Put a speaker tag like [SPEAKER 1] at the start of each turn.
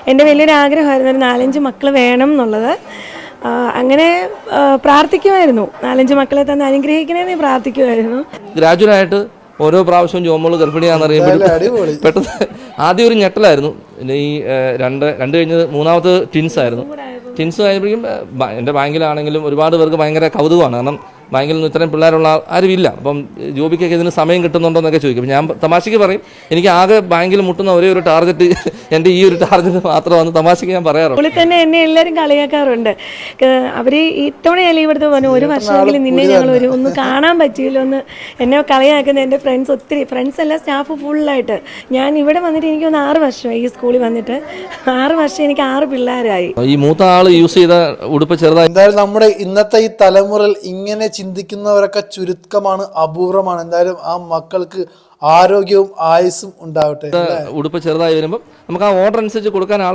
[SPEAKER 1] എൻ്റെ വലിയൊരു ആഗ്രഹമായിരുന്നു ഒരു 4-5 മക്കൾ വേണം എന്നുള്ളത്. അങ്ങനെ പ്രാർത്ഥിക്കുമായിരുന്നു, 4-5 മക്കളെ തന്നെ അനുഗ്രഹിക്കണേന്ന് പ്രാർത്ഥിക്കുമായിരുന്നു.
[SPEAKER 2] ഗ്രാജുവലായിട്ട് ഓരോ പ്രാവശ്യവും ജോമോള് ഗർഭിണിയാണെന്നറിയുമ്പോൾ പെട്ടെന്ന് ആദ്യം ഒരു ഞെട്ടലായിരുന്നു. പിന്നെ ഈ രണ്ട് കഴിഞ്ഞത് മൂന്നാമത് ട്വിൻസ് ആയിരുന്നു. ട്വിൻസ് ആയപ്പോഴേക്കും എൻ്റെ ബാങ്കിലാണെങ്കിലും ഒരുപാട് പേർക്ക് ഭയങ്കര കൗതുകമാണ്. കാരണം ബാങ്കിൽ നിന്ന് ഇത്രയും പിള്ളേരുള്ള ആരുമില്ല. അപ്പം ജോബിക്കൊക്കെ ഇതിന് സമയം കിട്ടുന്നുണ്ടോ എന്നൊക്കെ ചോദിക്കും. ഞാൻ തമാശയ്ക്ക് പറയും, എനിക്ക് ആകെ ബാങ്കിൽ മുട്ടുന്ന ഒരേ ഒരു ടാർഗറ്റ് എൻ്റെ ഈ ഒരു ടാർഗറ്റ് മാത്രമാണ് തമാശയ്ക്ക് ഞാൻ പറയാറുണ്ട്.
[SPEAKER 1] സ്കൂളിൽ തന്നെ എന്നെ എല്ലാവരും കളിയാക്കാറുണ്ട്. അവർ ഇത്തവണ ലീവ് എടുത്ത് പറഞ്ഞു, ഒരു വർഷമെങ്കിലും നിന്നെ ഞങ്ങൾ ഒന്ന് കാണാൻ പറ്റിയില്ലോ എന്ന് എന്നെ കളിയാക്കുന്ന എൻ്റെ ഫ്രണ്ട്സ് ഒത്തിരി. ഫ്രണ്ട്സ് അല്ല, സ്റ്റാഫ് ഫുള്ളായിട്ട്. ഞാൻ ഇവിടെ വന്നിട്ട് എനിക്കൊന്ന് 6 വർഷമായി ഈ സ്കൂളിൽ വന്നിട്ട്. 6 വർഷം എനിക്ക് 6 പിള്ളേരായി.
[SPEAKER 2] ഈ മൂത്ത ആള് യൂസ് ചെയ്ത ഉടുപ്പ് ചെറുതായി.
[SPEAKER 3] എന്തായാലും നമ്മുടെ ഇന്നത്തെ ഈ തലമുറയിൽ ഇങ്ങനെ ചിന്തിക്കുന്നവരൊക്കെ ചുരുക്കമാണ്, അപൂർവമാണ്. എന്തായാലും ആ മക്കൾക്ക് ആരോഗ്യവും ആയുസ്സും ഉണ്ടാവട്ടെ.
[SPEAKER 2] ഉടുപ്പ് ചെറുതായി വരുമ്പോൾ നമുക്ക് ആ ഓർഡർ അനുസരിച്ച് കൊടുക്കാൻ